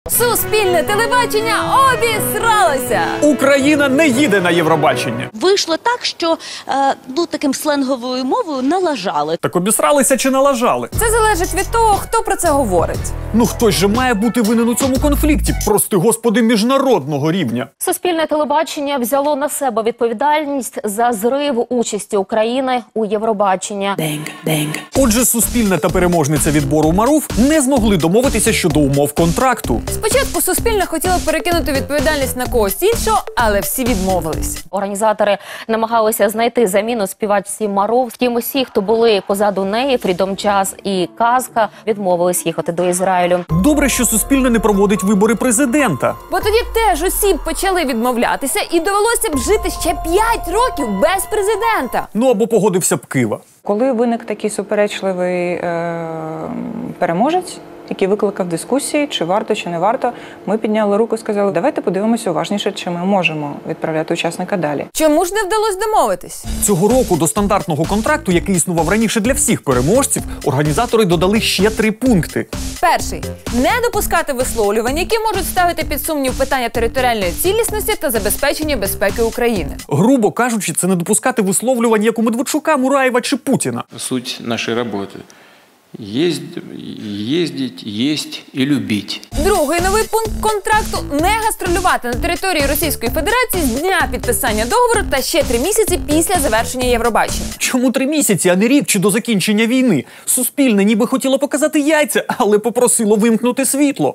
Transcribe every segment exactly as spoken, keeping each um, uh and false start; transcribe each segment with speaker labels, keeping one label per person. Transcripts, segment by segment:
Speaker 1: Суспільне телебачення обісралося!
Speaker 2: Україна не їде на Євробачення.
Speaker 3: Вийшло так, що, е, ну, таким сленговою мовою налажали.
Speaker 2: Так обісралися чи налажали?
Speaker 1: Це залежить від того, хто про це говорить.
Speaker 2: Ну хтось же має бути винен у цьому конфлікті, прости господи, міжнародного рівня.
Speaker 4: Суспільне телебачення взяло на себе відповідальність за зрив участі України у Євробачення.
Speaker 2: Отже, Суспільне та переможниця відбору Марув не змогли домовитися щодо умов контракту.
Speaker 1: Спочатку Суспільне хотіло перекинути відповідальність на когось іншого, але всі відмовились.
Speaker 4: Організатори намагалися знайти заміну співачці Марув. Втім, усі, хто були позаду неї, Фрідом Час і Казка, відмовились їхати до Ізраїлю.
Speaker 2: Добре, що Суспільне не проводить вибори президента.
Speaker 1: Бо тоді теж усі б почали відмовлятися і довелося б жити ще п'ять років без президента.
Speaker 2: Ну або погодився б Кива.
Speaker 5: Коли виник такий суперечливий е переможець, який викликав дискусії, чи варто, чи не варто, ми підняли руку і сказали, давайте подивимося уважніше, чи ми можемо відправляти учасника далі.
Speaker 1: Чому ж не вдалося домовитись?
Speaker 2: Цього року до стандартного контракту, який існував раніше для всіх переможців, організатори додали ще три пункти.
Speaker 1: Перший – не допускати висловлювань, які можуть ставити під сумнів питання територіальної цілісності та забезпечення безпеки України.
Speaker 2: Грубо кажучи, це не допускати висловлювань, як у Медведчука, Мураєва чи Путіна.
Speaker 6: Суть нашей работы – ездить, есть и любить.
Speaker 1: Другий новий пункт контракту – не гастролювати на території Російської Федерації з дня підписання договору та ще три місяці після завершення Євробачення.
Speaker 2: Чому три місяці, а не рік чи до закінчення війни? Суспільне ніби хотіло показати яйця, але попросило вимкнути світло.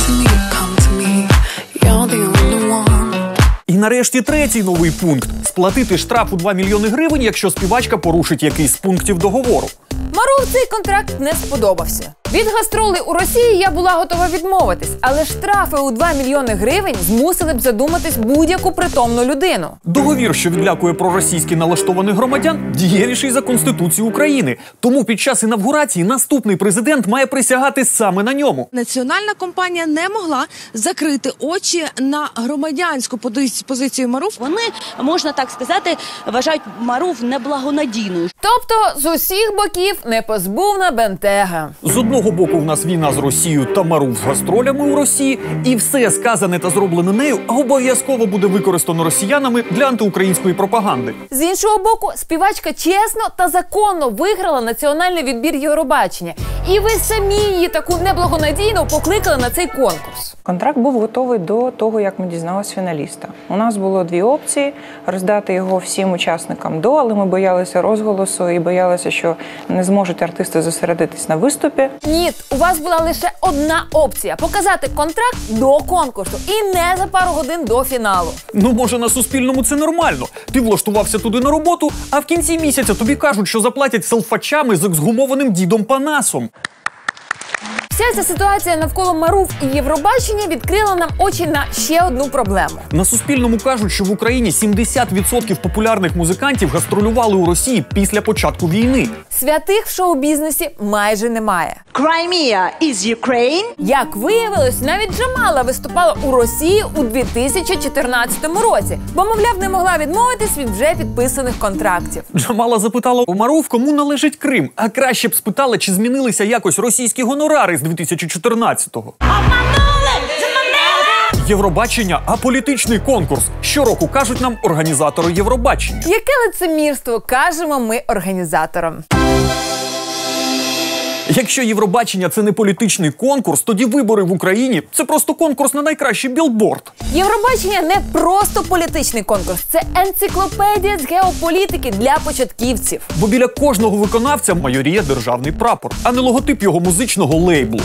Speaker 2: І нарешті третій новий пункт – сплатити штраф у два мільйони гривень, якщо співачка порушить якийсь з пунктів договору.
Speaker 1: Марув цей контракт не сподобався. Від гастролей у Росії я була готова відмовитись, але штрафи у два мільйони гривень змусили б задуматись будь-яку притомну людину.
Speaker 2: Договір, що відлякує проросійськи налаштованих громадян, дієвіший за Конституцію України. Тому під час інавгурації наступний президент має присягати саме на ньому.
Speaker 7: Національна компанія не могла закрити очі на громадянську позицію Марув.
Speaker 3: Вони, можна так сказати, вважають Марув неблагонадійною.
Speaker 1: Тобто з усіх боків непозбувна бентега.
Speaker 2: З одного боку в нас війна з Росією та Марув з гастролями у Росії, і все сказане та зроблене нею обов'язково буде використано росіянами для антиукраїнської пропаганди.
Speaker 1: З іншого боку, співачка чесно та законно виграла національний відбір Євробачення. І ви самі її таку неблагонадійно покликали на цей конкурс.
Speaker 5: Контракт був готовий до того, як ми дізналися фіналіста. У нас було дві опції – роздати його всім учасникам до, але ми боялися розголосу і боялися, що не зможуть артисти зосередитись на виступі.
Speaker 1: Ні, у вас була лише одна опція – показати контракт до конкурсу і не за пару годин до фіналу.
Speaker 2: Ну, може, на Суспільному це нормально. Ти влаштувався туди на роботу, а в кінці місяця тобі кажуть, що заплатять селфачами з ексгумованим дідом Панасом.
Speaker 1: Вся ця ситуація навколо Марув і Євробачення відкрила нам очі на ще одну проблему.
Speaker 2: На Суспільному кажуть, що в Україні сімдесят відсотків популярних музикантів гастролювали у Росії після початку війни.
Speaker 1: Святих в шоу-бізнесі майже немає.
Speaker 8: Crimea is Ukraine.
Speaker 1: Як виявилось, навіть Джамала виступала у Росії у дві тисячі чотирнадцятому році, бо, мовляв, не могла відмовитись від вже підписаних контрактів.
Speaker 2: Джамала запитала у Марув, кому належить Крим, а краще б спитала, чи змінилися якось російські гонорари з дві тисячі чотирнадцятого. Євробачення – аполітичний конкурс. Щороку кажуть нам організатори Євробачення.
Speaker 1: Яке лицемірство, кажемо ми організаторам.
Speaker 2: Якщо Євробачення – це не політичний конкурс, тоді вибори в Україні – це просто конкурс на найкращий білборд.
Speaker 1: Євробачення не просто політичний конкурс, це енциклопедія з геополітики для початківців.
Speaker 2: Бо біля кожного виконавця майоріє державний прапор, а не логотип його музичного лейблу.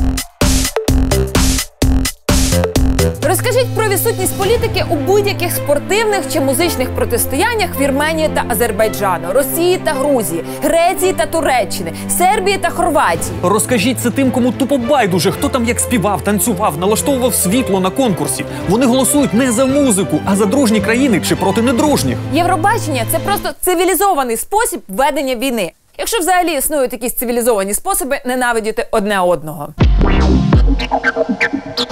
Speaker 1: Розкажіть про відсутність політики у будь-яких спортивних чи музичних протистояннях Вірменії та Азербайджану, Росії та Грузії, Греції та Туреччини, Сербії та Хорватії.
Speaker 2: Розкажіть це тим, кому тупо байдуже, хто там як співав, танцював, налаштовував світло на конкурсі. Вони голосують не за музику, а за дружні країни чи проти недружніх.
Speaker 1: Євробачення – це просто цивілізований спосіб ведення війни. Якщо взагалі існують якісь цивілізовані способи ненавидіти одне одного.